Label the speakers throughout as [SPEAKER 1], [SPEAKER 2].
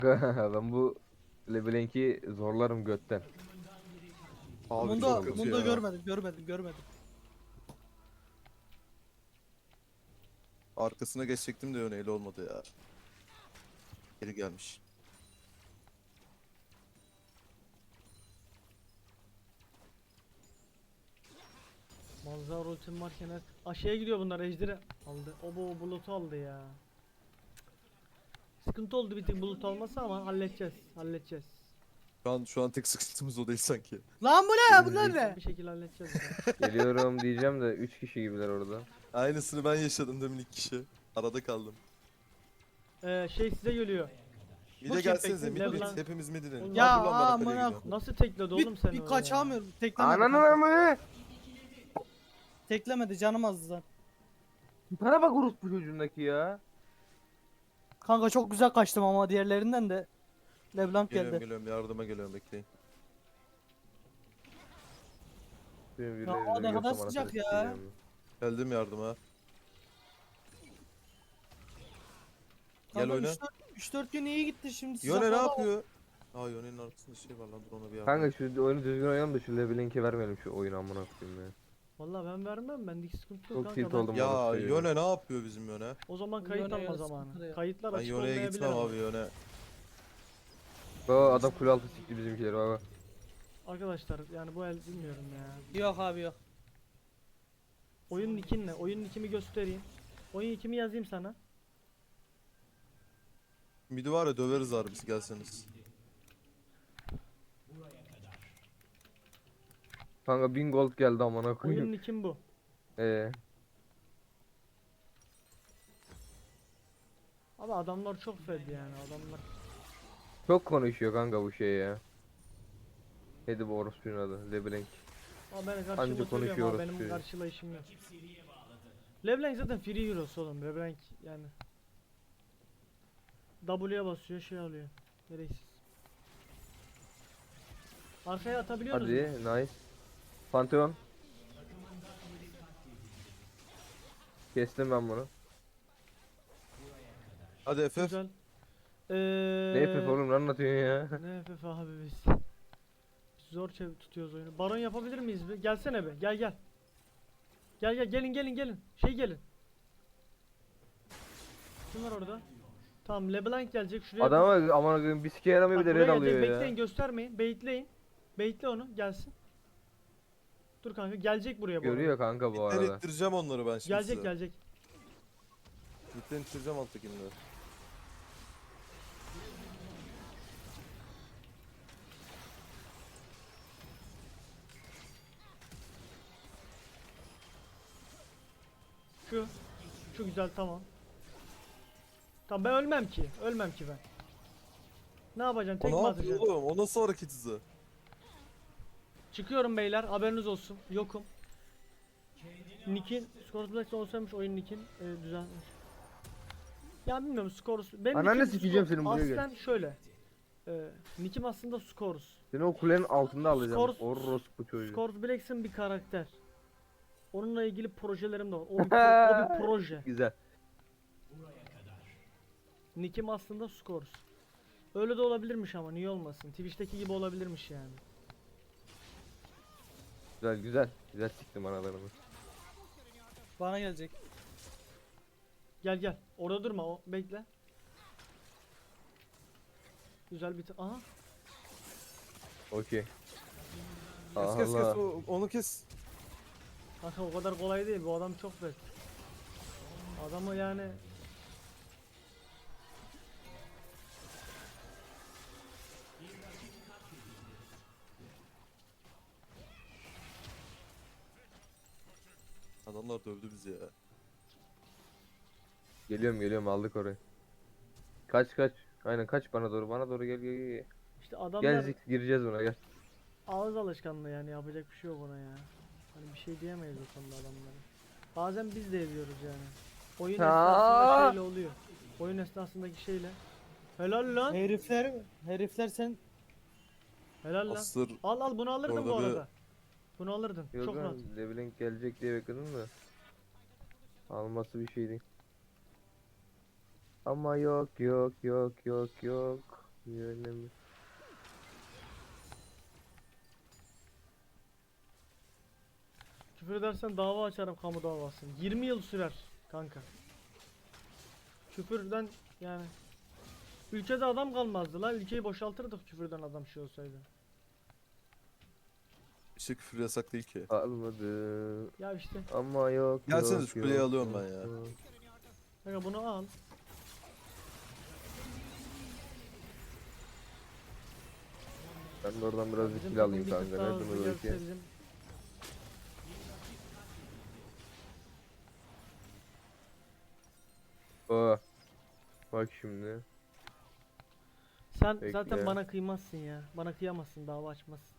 [SPEAKER 1] Ben bu LeBlanc'i zorlarım götten.
[SPEAKER 2] Abi
[SPEAKER 1] Çok
[SPEAKER 2] çok
[SPEAKER 3] Bunda
[SPEAKER 1] kötü
[SPEAKER 2] kötü
[SPEAKER 3] bunda
[SPEAKER 2] ya.
[SPEAKER 3] görmedim.
[SPEAKER 2] Arkasına geçecektim de öneyle olmadı ya. Geri gelmiş.
[SPEAKER 3] Manzara ultim varken aşağıya gidiyor bunlar, ejderi aldı. O bu bulutu aldı ya. Sıkıntı oldu bir tık bulut olmasa ama halledeceğiz.
[SPEAKER 2] Şu an tek sıkıntımız o değil sanki.
[SPEAKER 3] Lan bu ne? Bunlar
[SPEAKER 1] Birinci
[SPEAKER 3] ne? Bir şekilde halledeceğiz ya.
[SPEAKER 1] geliyorum diyeceğim de 3 kişi gibiler orada.
[SPEAKER 2] Aynısını ben yaşadım demin ilk kişi. Arada kaldım.
[SPEAKER 3] Şey size geliyor.
[SPEAKER 2] Bir
[SPEAKER 3] Bu
[SPEAKER 2] de
[SPEAKER 3] kim
[SPEAKER 2] gelsenize
[SPEAKER 3] peki?
[SPEAKER 2] mid mid.
[SPEAKER 3] Leblanc.
[SPEAKER 2] Hepimiz mid inelim.
[SPEAKER 3] Oğlum,
[SPEAKER 2] Aa,
[SPEAKER 3] ya
[SPEAKER 2] dur lan ben
[SPEAKER 3] amına
[SPEAKER 2] Akali'ye gidiyorum.
[SPEAKER 3] Nasıl tekledi oğlum sen
[SPEAKER 4] Bir
[SPEAKER 3] öyle
[SPEAKER 4] kaçamıyorum. Teklemedi
[SPEAKER 1] Ananı
[SPEAKER 4] kanka.
[SPEAKER 1] mı?
[SPEAKER 4] Teklemedi, canım azdı zaten.
[SPEAKER 1] Bana bak orospu çocuğundaki ya.
[SPEAKER 4] Kanka çok güzel kaçtım ama diğerlerinden de LeBlanc
[SPEAKER 2] Geliyorum
[SPEAKER 4] geldi.
[SPEAKER 2] geliyorum yardıma geliyorum bekleyin.
[SPEAKER 1] Benim
[SPEAKER 4] Ya
[SPEAKER 1] birileri
[SPEAKER 4] hava ne
[SPEAKER 1] görsem
[SPEAKER 4] kadar
[SPEAKER 1] anasını
[SPEAKER 4] sıcak ya.
[SPEAKER 1] sikeceğim.
[SPEAKER 2] Geldim yardıma. Gel
[SPEAKER 4] Kanka
[SPEAKER 2] oyna.
[SPEAKER 4] 3-4 gün iyi gitti şimdi.
[SPEAKER 2] Yone ne
[SPEAKER 4] sıcaklarda-
[SPEAKER 2] yapıyor? Aa Yone'nin arkasında şey var lan dur ona bir yardım.
[SPEAKER 1] Kanka şu oyunu düzgün oynayalım da şu LeBlanc'e vermeyelim şu oyunu amına koyayım ya.
[SPEAKER 3] Vallahi ben vermem, bendeki sıkıntı yok
[SPEAKER 1] Çok
[SPEAKER 3] kanka.
[SPEAKER 1] tilt
[SPEAKER 3] Ben
[SPEAKER 1] oldum.
[SPEAKER 2] Ya
[SPEAKER 1] orası
[SPEAKER 2] Yone ne yapıyor bizim Yone?
[SPEAKER 3] o zaman kayıt
[SPEAKER 4] Yone'ye
[SPEAKER 3] alma
[SPEAKER 4] sıkıntı
[SPEAKER 3] zamanı.
[SPEAKER 4] yok.
[SPEAKER 3] Kayıtlar
[SPEAKER 2] Ben
[SPEAKER 3] açık
[SPEAKER 2] Yone'ye
[SPEAKER 3] olmayabilir
[SPEAKER 2] gitmem
[SPEAKER 3] ama.
[SPEAKER 2] abi Yone.
[SPEAKER 1] Baba adam kule altı sikti bizimkileri baba.
[SPEAKER 3] Arkadaşlar yani bu el bilmiyorum ya.
[SPEAKER 4] Yok abi yok.
[SPEAKER 3] Oyun nickin ne? Oyun nickimi göstereyim. Oyun nickimi yazayım sana.
[SPEAKER 2] Midi var ya döveriz abi biz gelseniz.
[SPEAKER 1] Kanka 1000 gold geldi amına
[SPEAKER 3] Oyun
[SPEAKER 1] koyayım.
[SPEAKER 3] nickim bu.
[SPEAKER 1] Ee,
[SPEAKER 3] Ama adamlar çok fed yani adamlar.
[SPEAKER 1] çok konuşuyor kanka bu şey ya. Neydi bu orospunun adı? LeBlanc.
[SPEAKER 3] Ama ben
[SPEAKER 1] Anca
[SPEAKER 3] karşıma söylüyorum ama
[SPEAKER 1] konuşuyoruz
[SPEAKER 3] benim
[SPEAKER 1] diyor.
[SPEAKER 3] karşılayışım yok. LeBlanc zaten free heroes oğlum. LeBlanc yani. W'ye basıyor şey alıyor. Gereksiz. Arkaya atabiliyoruz mu?
[SPEAKER 1] Hadi nice. Pantheon. Kestim ben bunu.
[SPEAKER 2] Hadi FF.
[SPEAKER 3] Güzel.
[SPEAKER 1] Ne FF oğlum ne anlatıyorsun ya?
[SPEAKER 3] Ne FF abi biz. Zor tutuyoruz oyunu. Baron yapabilir miyiz bir? Gelsene be. Gel. Gel gelin. Şey gelin. Kim var orada? Tamam LeBlanc gelecek şuraya.
[SPEAKER 1] Adama aman koyayım bir sike yaramıyor bir
[SPEAKER 3] Bak
[SPEAKER 1] de red
[SPEAKER 3] buraya
[SPEAKER 1] alıyor
[SPEAKER 3] gelecek.
[SPEAKER 1] ya.
[SPEAKER 3] Bekleyin, göstermeyin. Baitleyin. Baitle onu gelsin. Dur kanka gelecek buraya bu arada.
[SPEAKER 1] Görüyor kanka bu
[SPEAKER 2] Midden
[SPEAKER 1] arada.
[SPEAKER 2] ittireceğim onları ben şimdi
[SPEAKER 3] Gelecek
[SPEAKER 2] size.
[SPEAKER 3] gelecek.
[SPEAKER 2] Midden ittireceğim alttakileri.
[SPEAKER 3] Şu güzel tamam. Tamam ben ölmem ki. Ölmem ki ben. Ne yapacağım?
[SPEAKER 2] O
[SPEAKER 3] Tek mi
[SPEAKER 2] ne yapıyor
[SPEAKER 3] atacağım?
[SPEAKER 2] oğlum? O nasıl hareket hızı?
[SPEAKER 3] Çıkıyorum beyler. Haberiniz olsun. Yokum. Nick'in Scores'da olsaymış oyun Nick'in düzenlenmiş. Ya bilmiyorum Scores. Benim
[SPEAKER 1] Ananı
[SPEAKER 3] nick'im
[SPEAKER 1] sikeceğim senin, buraya gel.
[SPEAKER 3] aslen şöyle. Nick'im aslında Scores.
[SPEAKER 1] Seni o kulenin altında alacağım.
[SPEAKER 3] Scores-
[SPEAKER 1] Orospu çocuğu.
[SPEAKER 3] Scores Blacks'in bir karakter. Onunla ilgili projelerim de var. O bir proje.
[SPEAKER 1] Güzel.
[SPEAKER 3] Nick'im aslında Scores. Öyle de olabilirmiş ama niye olmasın? Twitch'teki gibi olabilirmiş yani.
[SPEAKER 1] Güzel. Güzel siktim analarını.
[SPEAKER 4] Bana gelecek.
[SPEAKER 3] Gel. Orada durma. Bekle. Güzel bir aha.
[SPEAKER 1] Okey.
[SPEAKER 2] Kes kes kes
[SPEAKER 1] Allah.
[SPEAKER 2] onu kes.
[SPEAKER 3] Kanka o kadar kolay değil. Bu adam çok bet. Adamı yani
[SPEAKER 2] Adamlar dövdü bizi ya.
[SPEAKER 1] Geliyorum aldık orayı. Kaç. Aynen kaç bana doğru gel.
[SPEAKER 3] işte adamlar
[SPEAKER 1] Gel gireceğiz buna gel.
[SPEAKER 3] ağız alışkanlığı yani yapacak bir şey yok ona ya. Hani bir şey diyemeyiz o konuda adamlara. Bazen biz de ediyoruz yani. Oyun esnasında şeyle oluyor. Oyun esnasındaki şeyle. Helal lan.
[SPEAKER 4] Herifler sen
[SPEAKER 3] Helal lan.
[SPEAKER 2] Astır.
[SPEAKER 3] Al bunu alırdın bu
[SPEAKER 2] Orada bir-
[SPEAKER 3] arada. Bunu alırdın.
[SPEAKER 1] Yok
[SPEAKER 3] Çok rahat.
[SPEAKER 1] lan LeBlanc gelecek diye bekledim de. Alması bir şey değil. Ama yok. Yönemi.
[SPEAKER 3] Küfür edersen dava açarım, kamu davası. 20 yıl sürer kanka. Küfürden yani ülkede adam kalmazdı la. Ülkeyi boşaltırdık küfürden adam şey olsaydı.
[SPEAKER 2] İşte küfür yasak değil ki.
[SPEAKER 1] Almadı.
[SPEAKER 3] Ya işte
[SPEAKER 1] Ama yok
[SPEAKER 2] Gelsene
[SPEAKER 1] yok,
[SPEAKER 2] şu kuleyi
[SPEAKER 1] yok,
[SPEAKER 2] alıyorum ben
[SPEAKER 1] yok,
[SPEAKER 2] ya.
[SPEAKER 1] yok.
[SPEAKER 3] kanka bunu al.
[SPEAKER 1] Ben de oradan biraz
[SPEAKER 3] Bizim
[SPEAKER 1] kill alayım
[SPEAKER 3] takım bir tık
[SPEAKER 1] kanka.
[SPEAKER 3] daha
[SPEAKER 1] Nereden
[SPEAKER 3] hızlı
[SPEAKER 1] oluyor
[SPEAKER 3] gelse
[SPEAKER 1] ki?
[SPEAKER 3] bizim-
[SPEAKER 1] Oh. Bak şimdi.
[SPEAKER 3] Sen
[SPEAKER 1] Bekle.
[SPEAKER 3] zaten bana kıymazsın ya. Bana kıyamazsın, dava açmazsın.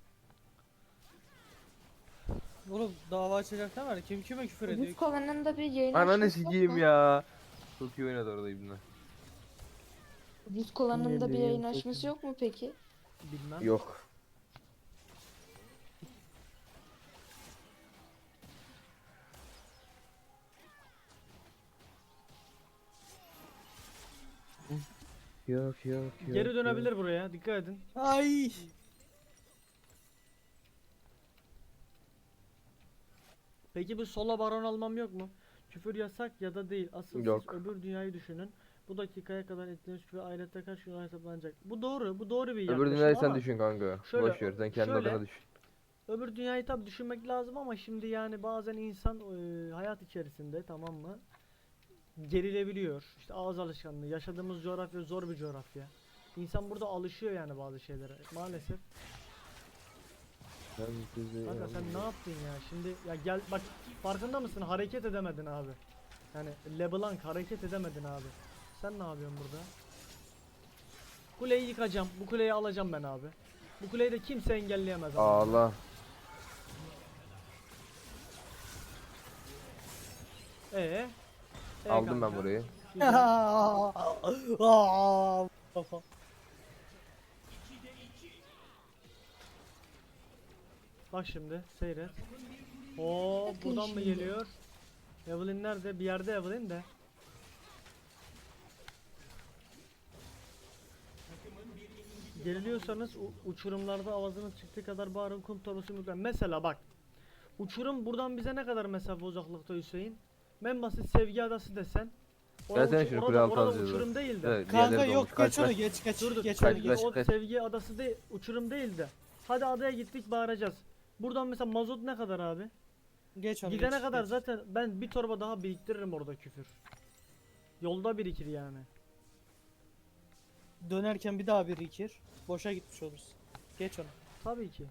[SPEAKER 4] Oğlum dava açacak ne var? Kim kime küfür ediyor?
[SPEAKER 5] Buz kovanında bir yayın
[SPEAKER 1] Ananı
[SPEAKER 5] açması yok
[SPEAKER 1] sikeyim
[SPEAKER 5] mu?
[SPEAKER 1] ya. Çok iyi oynadı orada İbni.
[SPEAKER 5] Buz kovanında bir
[SPEAKER 3] Yayın
[SPEAKER 5] yayın
[SPEAKER 3] çok
[SPEAKER 5] açması
[SPEAKER 3] iyi.
[SPEAKER 5] yok mu peki?
[SPEAKER 3] Bilmem.
[SPEAKER 1] Yok. Yok yok yok.
[SPEAKER 3] Geri dönebilir buraya. Dikkat edin.
[SPEAKER 4] Ay.
[SPEAKER 3] Peki bu sola baron almam yok mu? Küfür yasak ya da değil. Asıl
[SPEAKER 1] Yok.
[SPEAKER 3] siz öbür dünyayı düşünün. Bu dakikaya kadar ettiğiniz küfür ahirette kaç gün hesaplanacak. Bu doğru. Bu doğru bir
[SPEAKER 1] Öbür
[SPEAKER 3] yaklaşım
[SPEAKER 1] dünyayı sen
[SPEAKER 3] ama
[SPEAKER 1] düşün kanka.
[SPEAKER 3] şöyle,
[SPEAKER 1] Boş ver sen kendi
[SPEAKER 3] şöyle-
[SPEAKER 1] adına düşün.
[SPEAKER 3] öbür dünyayı tabi düşünmek lazım ama şimdi yani bazen insan hayat içerisinde, tamam mı, gerilebiliyor. İşte ağız alışkanlığı. Yaşadığımız coğrafya zor bir coğrafya. İnsan burada alışıyor yani bazı şeylere. Maalesef.
[SPEAKER 1] Ben sizi
[SPEAKER 3] Kanka sen ne yaptın ya? Şimdi ya gel bak, farkında mısın? Hareket edemedin abi. Yani LeBlanc hareket edemedin abi. Sen ne yapıyorsun burada? Kuleyi yıkacağım. Bu kuleyi alacağım ben abi. Bu kuleyi de kimse engelleyemez abi.
[SPEAKER 1] Ağla. Aldım ben
[SPEAKER 3] kanka?
[SPEAKER 1] burayı.
[SPEAKER 3] Güzel.
[SPEAKER 4] Aa, kafa.
[SPEAKER 3] Bak şimdi seyret. Oo,
[SPEAKER 5] Bakın
[SPEAKER 3] buradan mı
[SPEAKER 5] şimdi.
[SPEAKER 3] geliyor? Evelyn nerede? Bir yerde Evelyn de. Geriliyorsanız uçurumlarda avazınız çıktığı kadar bağırın, kum torbası mükemmel. Mesela bak. Uçurum buradan bize ne kadar mesafe uzaklıkta Hüseyin? En basit Sevgi Adası desen.
[SPEAKER 1] Ben sen şunu kule altı
[SPEAKER 3] orada
[SPEAKER 1] alacağız
[SPEAKER 3] uçurum değil de.
[SPEAKER 1] Evet,
[SPEAKER 4] Kanka
[SPEAKER 1] diğerleri
[SPEAKER 4] yok
[SPEAKER 1] dolmuş. Kaç,
[SPEAKER 4] geç onu
[SPEAKER 1] kaç.
[SPEAKER 4] geç
[SPEAKER 3] Dur dur.
[SPEAKER 4] geç
[SPEAKER 1] Kaç,
[SPEAKER 4] onu
[SPEAKER 3] Sevgi,
[SPEAKER 4] geç.
[SPEAKER 1] kaç.
[SPEAKER 3] o Sevgi Adası değil, uçurum değil de. Hadi adaya gittik, bağıracağız. Buradan mesela mazot ne kadar abi?
[SPEAKER 4] Geç onu
[SPEAKER 3] Gidene
[SPEAKER 4] geç,
[SPEAKER 3] kadar
[SPEAKER 4] geç.
[SPEAKER 3] zaten ben bir torba daha biriktiririm orada küfür. Yolda birikir yani.
[SPEAKER 4] Dönerken bir daha birikir. Boşa gitmiş oluruz. Geç onu.
[SPEAKER 3] Tabii ki.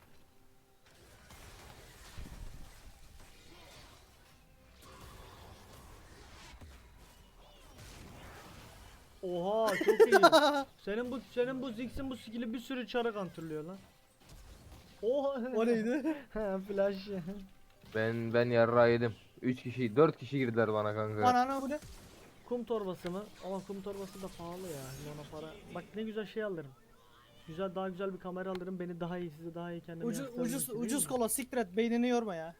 [SPEAKER 3] Oha çok iyi. senin bu Ziggs'in bu skill'i bir sürü çarı kontrolüyor lan. Oha.
[SPEAKER 4] O neydi?
[SPEAKER 3] Ha, flash.
[SPEAKER 1] Ben yarrağı yedim. 3 kişi 4 kişi girdiler bana kanka.
[SPEAKER 4] Anana bu ne?
[SPEAKER 3] Kum torbası mı? Ama kum torbası da pahalı ya. Ona para. Bak ne güzel şey alırım. Güzel, daha güzel bir kamera alırım. Beni daha iyi, sizi daha iyi kendime
[SPEAKER 4] Ucuz
[SPEAKER 3] yansıtabilirim
[SPEAKER 4] ucuz
[SPEAKER 3] ki, değil
[SPEAKER 4] ucuz
[SPEAKER 3] mi?
[SPEAKER 4] kola siktir et beynini yorma ya.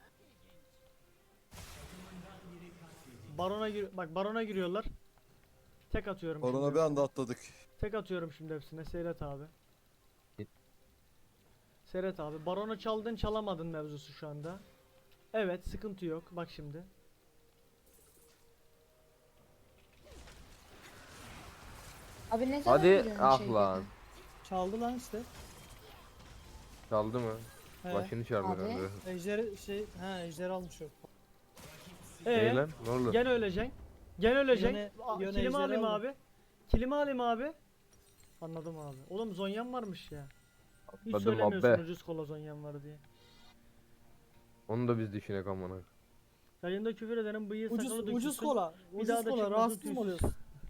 [SPEAKER 3] Bak barona giriyorlar. Tek atıyorum
[SPEAKER 2] Orana
[SPEAKER 3] şimdi.
[SPEAKER 2] bir anda atladık.
[SPEAKER 3] Tek atıyorum şimdi hepsine. Seyret abi.
[SPEAKER 1] Git.
[SPEAKER 3] Seyret abi. Baronu çaldın çalamadın mevzusu şu anda. Evet, sıkıntı yok. Bak şimdi.
[SPEAKER 5] Abi ne zaman
[SPEAKER 1] Hadi
[SPEAKER 5] geliyorsun
[SPEAKER 1] ah
[SPEAKER 5] şeyde?
[SPEAKER 1] lan.
[SPEAKER 4] Çaldı lan işte.
[SPEAKER 1] Çaldı mı?
[SPEAKER 4] He.
[SPEAKER 1] Başını çarptı
[SPEAKER 5] Abi.
[SPEAKER 1] kanka.
[SPEAKER 4] Ejder almış o.
[SPEAKER 1] Ne lan? Ne oldu?
[SPEAKER 3] Gene öleceksin. Gene öleceksin.
[SPEAKER 4] Yöne
[SPEAKER 3] Kilimi
[SPEAKER 4] ejderi
[SPEAKER 3] alayım
[SPEAKER 4] aldım.
[SPEAKER 3] abi. Kilimi alayım abi. Anladım abi. Oğlum Zonyan varmış ya. Hiç
[SPEAKER 1] Anladım
[SPEAKER 3] söylemiyorsun
[SPEAKER 1] abi.
[SPEAKER 3] ucuz kola Zonyan var diye.
[SPEAKER 1] Onu da biz düşünek amına.
[SPEAKER 3] Yayında küfür edenin bıyığı
[SPEAKER 4] Ucuz
[SPEAKER 3] sakalı
[SPEAKER 4] ucuz
[SPEAKER 3] dökülsün.
[SPEAKER 4] kola.
[SPEAKER 3] Bir
[SPEAKER 4] Ucuz
[SPEAKER 3] daha da
[SPEAKER 4] kola
[SPEAKER 3] çıkmasın
[SPEAKER 4] rahatsız
[SPEAKER 3] tüysüz.
[SPEAKER 4] mı oluyorsun?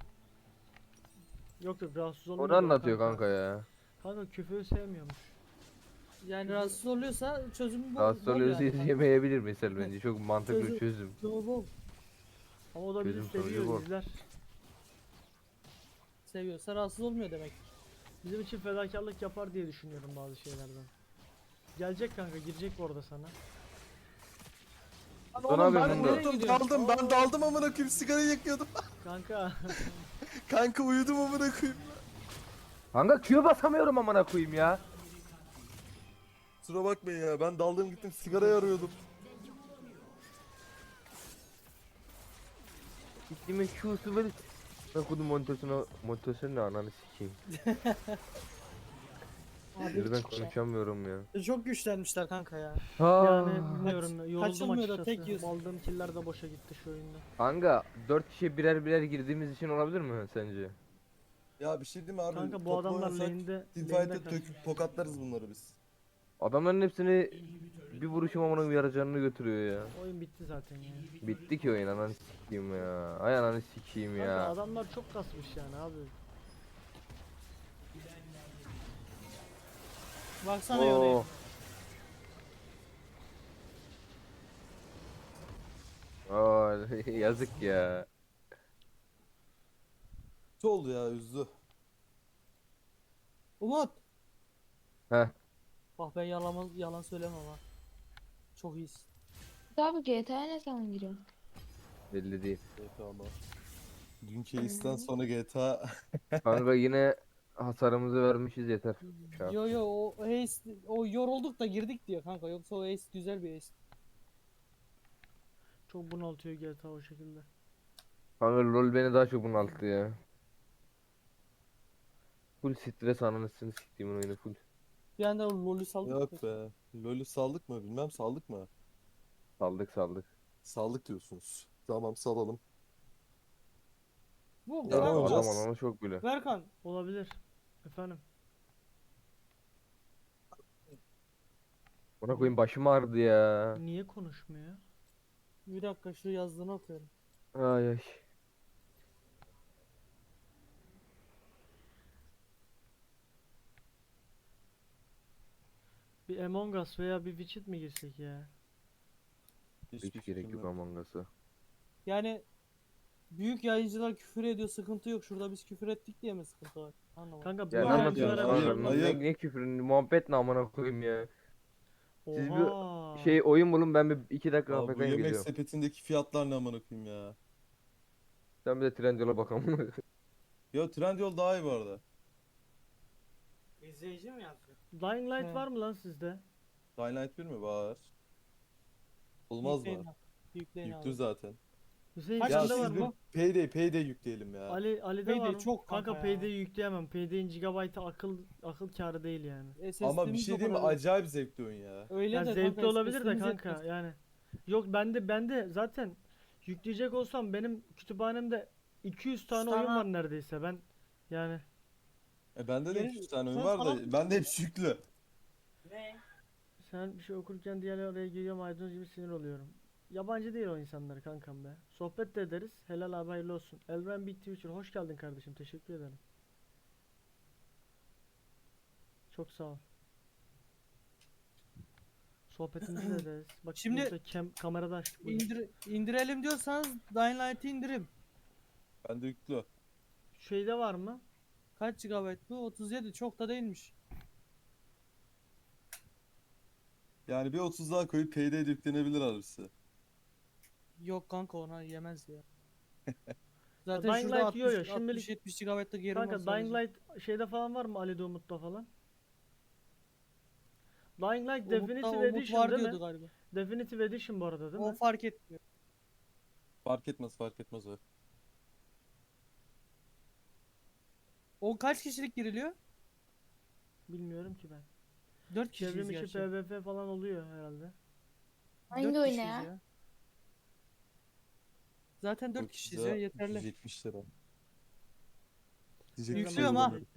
[SPEAKER 3] Yok yok, rahatsız
[SPEAKER 1] O
[SPEAKER 3] olmuyor.
[SPEAKER 1] ne anlatıyor kanka ya?
[SPEAKER 3] Kanka küfürü sevmiyormuş.
[SPEAKER 4] Yani rahatsız oluyorsa çözümü bol.
[SPEAKER 1] Rahatsız
[SPEAKER 4] bol
[SPEAKER 1] oluyorsa
[SPEAKER 4] yani.
[SPEAKER 1] yemeyebilir mesela bence. Çok mantıklı
[SPEAKER 4] Çözüm-
[SPEAKER 1] çözüm.
[SPEAKER 4] Çözümü bol.
[SPEAKER 3] Ama o da bizi
[SPEAKER 1] Çözüm sonucu
[SPEAKER 3] seviyor,
[SPEAKER 1] bu.
[SPEAKER 3] izler.
[SPEAKER 4] Seviyorsa rahatsız olmuyor demek.
[SPEAKER 3] Bizim için fedakarlık yapar diye düşünüyorum bazı şeylerden. Gelecek kanka, girecek bu arada sana.
[SPEAKER 4] Lan
[SPEAKER 1] Dur
[SPEAKER 4] oğlum
[SPEAKER 1] abi,
[SPEAKER 4] ben
[SPEAKER 1] bunu da-
[SPEAKER 4] nereye
[SPEAKER 2] Daldım
[SPEAKER 4] gidiyorum?
[SPEAKER 2] daldım ben daldım amına koyayım sigarayı yakıyordum.
[SPEAKER 3] Kanka
[SPEAKER 2] Kanka uyudum amına koyayım.
[SPEAKER 1] Kanka Q'ya basamıyorum amına koyayım ya.
[SPEAKER 2] Kusura bakmayın ya, ben daldım gittim sigarayı arıyordum.
[SPEAKER 1] Gittiğimin Q'su böyle. Ben kodum monitörüne ananı sikeyim.
[SPEAKER 4] Abi
[SPEAKER 1] Birden konuşamıyorum ya.
[SPEAKER 4] çok güçlenmişler kanka ya.
[SPEAKER 3] Yani bilmiyorum ya, yoruldum
[SPEAKER 4] kaçılmıyor da
[SPEAKER 3] açıkçası.
[SPEAKER 4] tek yiyorsun.
[SPEAKER 3] Aldığım killer de boşa gitti şu oyunda.
[SPEAKER 1] Kanka 4 kişi birer birer girdiğimiz için olabilir mi sence?
[SPEAKER 2] Ya bir şey diyeyim mi abi?
[SPEAKER 3] Kanka bu
[SPEAKER 2] Toplu
[SPEAKER 3] adamlar
[SPEAKER 2] oynasak
[SPEAKER 3] lane'de
[SPEAKER 2] teamfight'e
[SPEAKER 3] kaçtı.
[SPEAKER 2] töküp tokatlarız bunları biz.
[SPEAKER 1] Adamların hepsini bir vuruşum amına koyayım yarıcanını götürüyor ya.
[SPEAKER 3] Oyun bitti zaten ya.
[SPEAKER 1] Bitti ki oyun ananı sikeyim ya. Ay ananı sikeyim
[SPEAKER 3] Kanka
[SPEAKER 1] ya.
[SPEAKER 3] adamlar çok kasmış yani abi.
[SPEAKER 4] Baksana yorayım.
[SPEAKER 1] Oh. Oh, yazık ya.
[SPEAKER 2] Ne oldu ya, üzdü.
[SPEAKER 4] Umut.
[SPEAKER 1] Heh.
[SPEAKER 4] Bak ben yalan söylemem ha. Çok iyisin.
[SPEAKER 5] Abi GTA'ya ne zaman giriyorsun?
[SPEAKER 1] Belli değil.
[SPEAKER 2] GTA ama. Dünkü Ace'den sonra GTA.
[SPEAKER 1] Kanka yine hasarımızı vermişiz yeter. Şu an.
[SPEAKER 4] Yo o Ace o yorulduk da girdik diyor kanka. Yoksa o Ace güzel bir Ace.
[SPEAKER 3] Çok bunaltıyor GTA o şekilde.
[SPEAKER 1] Kanka LoL beni daha çok bunalttı ya. Full stres ananısını siktiğimin oyunu full.
[SPEAKER 4] Bir anda LoL'ü saldık.
[SPEAKER 2] Yok be. LoL'ü saldık mı bilmem, saldık mı?
[SPEAKER 1] Saldık.
[SPEAKER 2] Saldık diyorsunuz. Tamam, salalım.
[SPEAKER 4] Bu
[SPEAKER 2] Ya,
[SPEAKER 1] Ya,
[SPEAKER 2] ne
[SPEAKER 4] Berkan,
[SPEAKER 1] adam
[SPEAKER 2] oynayacağız?
[SPEAKER 1] alanı çok bile.
[SPEAKER 4] Berkan
[SPEAKER 3] Olabilir. Efendim.
[SPEAKER 1] Ona koyayım başım ağrıdı ya.
[SPEAKER 3] Niye konuşmuyor?
[SPEAKER 4] bir dakika şu yazdığını okuyorum.
[SPEAKER 1] Ay ay.
[SPEAKER 3] Bir Among Us veya bir Witcher mi girsek ya?
[SPEAKER 2] Hiçbir
[SPEAKER 1] Hiç gerek
[SPEAKER 2] fikrim
[SPEAKER 1] yok
[SPEAKER 2] yok.
[SPEAKER 1] Among Us'a.
[SPEAKER 4] Yani büyük yayıncılar küfür ediyor, sıkıntı yok. Şurada biz küfür ettik diye mi sıkıntı var? Anlamadım.
[SPEAKER 3] Kanka bu
[SPEAKER 1] Ya ne
[SPEAKER 2] Ayıp
[SPEAKER 1] anlatıyorsun
[SPEAKER 2] ya,
[SPEAKER 3] oyunculara bir şey
[SPEAKER 2] ayıp,
[SPEAKER 3] olmaz.
[SPEAKER 2] ayıp.
[SPEAKER 1] Ne küfrün muhabbet ne amına koyayım ya. Siz
[SPEAKER 3] Oha.
[SPEAKER 1] bir şey oyun bulun ben bir 2 dakika
[SPEAKER 2] Aa, bu
[SPEAKER 1] AFK'ya
[SPEAKER 2] yemek
[SPEAKER 1] geliyorum.
[SPEAKER 2] sepetindeki fiyatlar ne amına koyayım ya.
[SPEAKER 1] Sen bir de Trendyol'a bak amına koyayım.
[SPEAKER 2] Yo, Trendyol daha iyi bu arada.
[SPEAKER 4] İzleyici mi yazıyor?
[SPEAKER 3] Dying Light
[SPEAKER 4] He.
[SPEAKER 3] var mı lan sizde?
[SPEAKER 2] Dying Light 1 mi var? Olmaz mı?
[SPEAKER 4] Yükleyin
[SPEAKER 2] Yüklü
[SPEAKER 4] abi.
[SPEAKER 2] zaten.
[SPEAKER 3] Hüseyin
[SPEAKER 4] Kaç
[SPEAKER 2] Ya
[SPEAKER 3] sende
[SPEAKER 4] kişi
[SPEAKER 3] var
[SPEAKER 2] siz
[SPEAKER 3] mı?
[SPEAKER 2] bir Payday yükleyelim ya.
[SPEAKER 3] Ali'de
[SPEAKER 4] Payday
[SPEAKER 3] var mı?
[SPEAKER 4] çok kanka ya.
[SPEAKER 3] Payday'i yükleyemem. Payday'in gigabaytı akıl kârı değil yani.
[SPEAKER 2] Ama bir
[SPEAKER 4] SSD'miz
[SPEAKER 2] şey
[SPEAKER 4] o
[SPEAKER 2] diyeyim mi?
[SPEAKER 4] kadar yok.
[SPEAKER 2] Acayip zevkli oyun ya.
[SPEAKER 4] Öyle
[SPEAKER 3] Ya
[SPEAKER 4] de
[SPEAKER 3] zevkli
[SPEAKER 4] kanka,
[SPEAKER 3] olabilir de
[SPEAKER 4] SSD'miz
[SPEAKER 3] kanka
[SPEAKER 4] yetmez.
[SPEAKER 3] yani. Yok bende zaten yükleyecek olsam benim kütüphanemde 200 tane oyun
[SPEAKER 4] Sana-
[SPEAKER 3] var neredeyse ben yani
[SPEAKER 2] Bende de
[SPEAKER 4] Yeni-
[SPEAKER 2] 200 tane oyun
[SPEAKER 4] sen
[SPEAKER 2] var
[SPEAKER 4] salak
[SPEAKER 2] da
[SPEAKER 4] mısın?
[SPEAKER 2] bende hepsi yüklü.
[SPEAKER 4] Ne?
[SPEAKER 3] sen bir şey okurken diğerleri oraya giriyor maydanoz gibi sinir oluyorum. Yabancı değil o insanları kankam be. Sohbet de ederiz. Helal abi hayırlı olsun. Elven Big Twitcher hoş geldin kardeşim. Teşekkür ederim. Çok sağ ol. Sohbetimizi de ederiz. Bak
[SPEAKER 4] Şimdi-
[SPEAKER 3] burada kamerada açtık. buyurun.
[SPEAKER 4] İndirelim diyorsanız Dying Light'ı indirim.
[SPEAKER 2] Bende yüklü.
[SPEAKER 3] Şeyde var mı?
[SPEAKER 4] Kaç GB bu? 37, çok da değilmiş.
[SPEAKER 2] Yani bir 30 daha koyup Payday'de yüklenebilir abisi.
[SPEAKER 4] Yok kanka, ona yemez ya. Zaten
[SPEAKER 3] Dying
[SPEAKER 4] şurada
[SPEAKER 3] Light yiyor ya,
[SPEAKER 4] 60
[SPEAKER 3] şimdilik-
[SPEAKER 4] 70 GB'lık yerim
[SPEAKER 3] Kanka
[SPEAKER 4] var
[SPEAKER 3] Dying
[SPEAKER 4] sadece.
[SPEAKER 3] Light şeyde falan var mı Ali'de Umut'ta falan? Dying Light
[SPEAKER 4] Umut'ta
[SPEAKER 3] Definitive
[SPEAKER 4] Umut
[SPEAKER 3] Edition
[SPEAKER 4] var
[SPEAKER 3] değil
[SPEAKER 4] diyordu
[SPEAKER 3] mi?
[SPEAKER 4] galiba.
[SPEAKER 3] Definitive Edition bu arada değil
[SPEAKER 4] O
[SPEAKER 3] mi?
[SPEAKER 4] fark etmiyor.
[SPEAKER 2] Fark etmez o.
[SPEAKER 4] O kaç kişilik giriliyor?
[SPEAKER 3] Bilmiyorum ki ben.
[SPEAKER 4] 4 kişiyiz
[SPEAKER 3] Çevrim içi
[SPEAKER 4] gerçi.
[SPEAKER 3] PvP falan oluyor herhalde.
[SPEAKER 5] Hangi
[SPEAKER 4] 4
[SPEAKER 5] oyuna
[SPEAKER 4] kişiyiz
[SPEAKER 5] ya?
[SPEAKER 4] Zaten 4
[SPEAKER 2] Çok
[SPEAKER 4] kişiyiz
[SPEAKER 2] güzel,
[SPEAKER 4] ya, yeterli.
[SPEAKER 2] 370 lira. Diyecek bir şey
[SPEAKER 4] Yüklüyorum ha.
[SPEAKER 2] bulamadım.